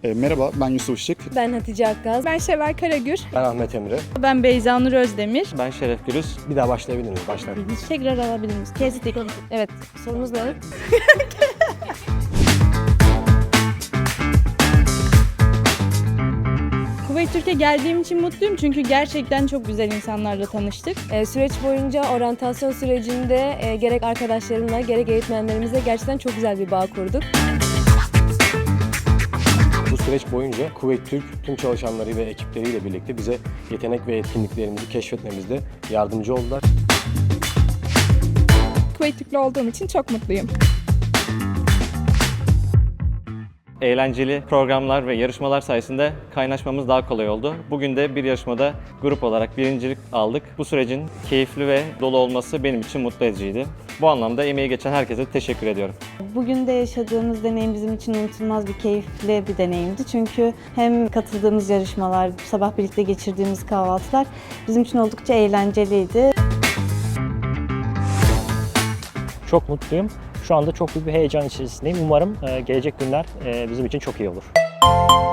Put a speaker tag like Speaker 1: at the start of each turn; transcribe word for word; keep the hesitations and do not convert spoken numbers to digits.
Speaker 1: E, merhaba, ben Yusuf Işık.
Speaker 2: Ben Hatice Akgaz.
Speaker 3: Ben Şevval Karagür.
Speaker 4: Ben Ahmet Emre.
Speaker 3: Ben Beyza Nur Özdemir.
Speaker 5: Ben Şeref Gürüz.
Speaker 4: Bir daha başlayabilir miyiz? Başlar.
Speaker 3: Tekrar alabilir miyiz? Kestik.
Speaker 2: Evet, sorunuz ne?
Speaker 3: Kuveyt Türkiye geldiğim için mutluyum çünkü gerçekten çok güzel insanlarla tanıştık.
Speaker 2: Ee, süreç boyunca oryantasyon sürecinde e, gerek arkadaşlarımla gerek eğitmenlerimizle gerçekten çok güzel bir bağ kurduk.
Speaker 4: Bu süreç boyunca Kuveyt Türk tüm çalışanları ve ekipleriyle birlikte bize yetenek ve etkinliklerimizi keşfetmemizde yardımcı oldular.
Speaker 3: Kuveyt Türk'lü olduğum için çok mutluyum.
Speaker 5: Eğlenceli programlar ve yarışmalar sayesinde kaynaşmamız daha kolay oldu. Bugün de bir yarışmada grup olarak birincilik aldık. Bu sürecin keyifli ve dolu olması benim için mutlu ediciydi. Bu anlamda emeği geçen herkese teşekkür ediyorum.
Speaker 6: Bugün de yaşadığımız deneyim bizim için unutulmaz bir keyifli bir deneyimdi. Çünkü hem katıldığımız yarışmalar, sabah birlikte geçirdiğimiz kahvaltılar bizim için oldukça eğlenceliydi.
Speaker 7: Çok mutluyum. Şu anda çok büyük bir heyecan içerisindeyim. Umarım gelecek günler bizim için çok iyi olur.